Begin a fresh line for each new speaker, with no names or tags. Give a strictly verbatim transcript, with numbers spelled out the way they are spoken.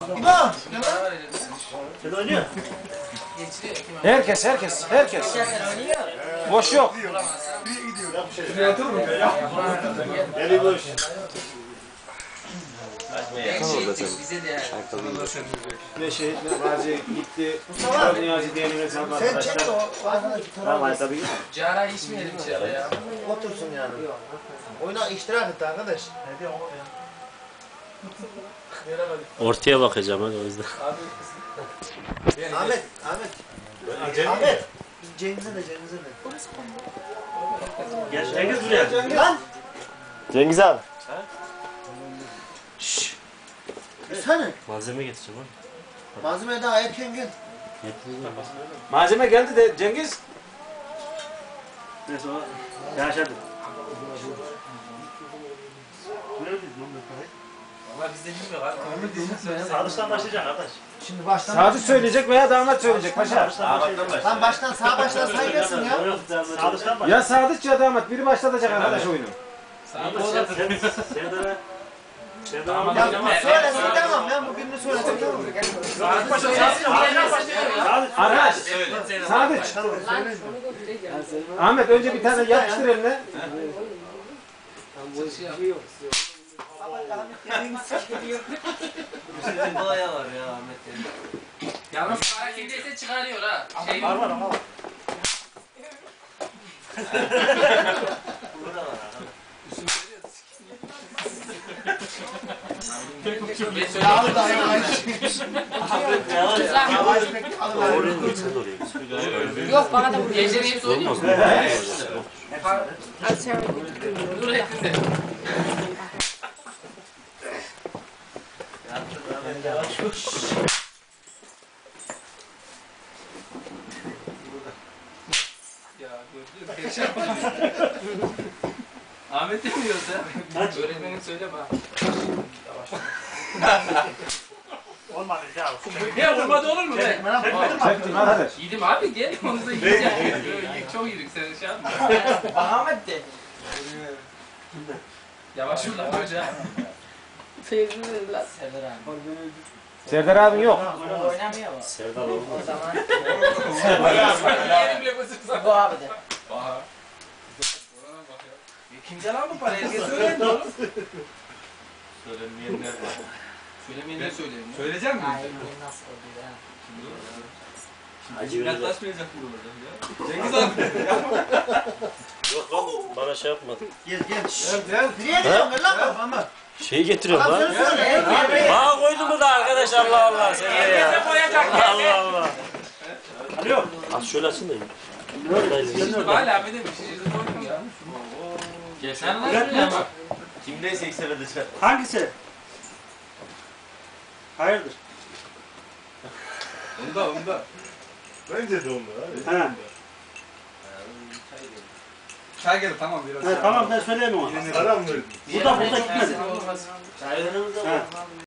İbo!
Sen oynuyor.
Herkes, herkes, herkes. Boş yok.
Eli boş.
Ve şehit Gazi gitti. Mustafa Niyazi diyelim hesap
Sen çek
arkadaşlar.
o arkadaki
Tamam
tarafa.
tabii.
Cara içmeyelim içeride ya.
Otursun yani. Oyuna iştirak etti arkadaş.
Ortaya bakacağım hadi o yüzden.
Ahmet, Ahmet. Ahmet. Cengiz'e de, Cengiz'e de.
Gel Cengiz buraya.
Lan!
Cengiz abi.
Sen
Malzeme getireceğim abi.
malzeme daha erken gel.
Malzeme geldi de Cengiz.
Neyse o. Yaşadı.
Valla bizde bilmiyor abi. Ahmet diyecek söyle.
Sağdıştan başlayacaksın arkadaş.
Şimdi baştan.
Sadık söyleyecek veya damat söyleyecek paşa.
Sağdıştan başlayacaksın.
Lan baştan sağ baştan say gelsin ya.
Sağdıştan başla.
Ya Sadık ya damat biri başlatacak arkadaş oyunu.
Serdar. Serdar. Serdar.
Ya söylesin tamam ben bu birini söyledim tamam.
Arkadaş. Sadık. Ahmet önce bir tane yapıştır eline.
Baya var ya Ahmet. Yalnız hareketi çıkarıyor ha. Şey
Var var ama.
Yağlı da
Oraya mı geçsin oraya?
Yok bana da vuruyor.
Gecenin hepsi oynuyor.
Olmaz mı?
Hadi sen
Dur ettin de. Ya gördün mü? Perişan oluyor. Ahmet demiyoruz ya. Öğretmenim söyle bana.
Olmadı ya.
Ya vurmadı olur mu be?
Çektim arkadaş.
Yedim abi gel onu da yiyeceğim. Çok yedik sen şey yapma.
Ahmet de.
Yavaş ol lan hoca.
Feyzini biraz.
Serdar abin yok.
Serdar olmaz.
Yerim bile bu sıksa.
Bu abi de.
Aha. Kimden aldın parayı? Herkes söylendi oğlum.
Söylenmeyenler var.
Söylemeyenler söyleyeyim. Söyleyecek misin?
Nasıl oldu ya?
Acı verecek.
Yaklaşmayacak mı burada? Cengiz abi.
Yok lan bana şey yapmadı.
Gel gel. Gel. Nereye gidiyorsun lan ama?
Şeyi getiriyorum
Adam
lan.
seni söyle.
Bana koydun mu da arkadaş Allah Allah sen de ya. Allah Allah.
Alo.
Az şöyle açın da.
Hala Ahmet'e bir şey koydum ya. Geçen lan ya bak.
Kim neyse ilk seferde çıkar.
Hangisi? Hayırdır?
Onda onda.
Bence de onlar.
He.
Çay geldi tamam biraz.
He tamam ben söyleyeyim ona.
Aram verdin.
Burada burada gitmedi.
Olmaz.
Çay önümüzde
He.